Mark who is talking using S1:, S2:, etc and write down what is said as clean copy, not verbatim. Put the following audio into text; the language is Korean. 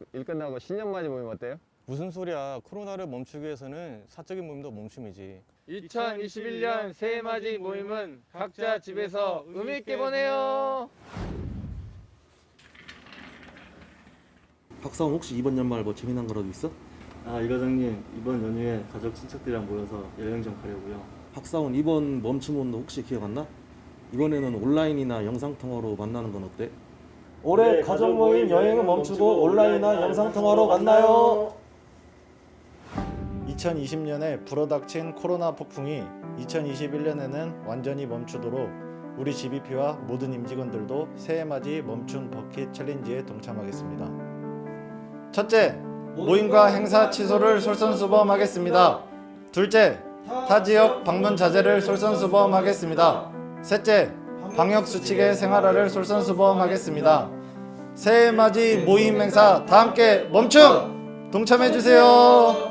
S1: 일 끝나고 신년맞이 모임 어때요?
S2: 무슨 소리야. 코로나를 멈추기 위해서는 사적인 모임도 멈춤이지.
S3: 2021년 새해맞이 모임은 각자 집에서 의미있게 보내요.
S4: 박사원 혹시 이번 연말 뭐 재미난 거라도 있어?
S5: 아, 이 과장님, 이번 연휴에 가족 친척들이랑 모여서 여행 좀 가려고요.
S4: 박사원 이번 멈춤운동 혹시 기억 안 나? 이번에는 온라인이나 영상통화로 만나는 건 어때? 올해 가족 모임 여행은 멈추고 온라인이나 영상통화로 만나요.
S6: 2020년에 불어닥친 코로나 폭풍이 2021년에는 완전히 멈추도록 우리 GBP와 모든 임직원들도 새해맞이 멈춤 버킷 챌린지에 동참하겠습니다. 첫째, 모임과 행사 취소를 솔선수범하겠습니다. 둘째, 타 지역 방문 자제를 솔선수범하겠습니다. 셋째, 방역수칙의 생활화를 솔선수범하겠습니다. 새해맞이 모임 행사 다 함께 멈춤! 동참해주세요.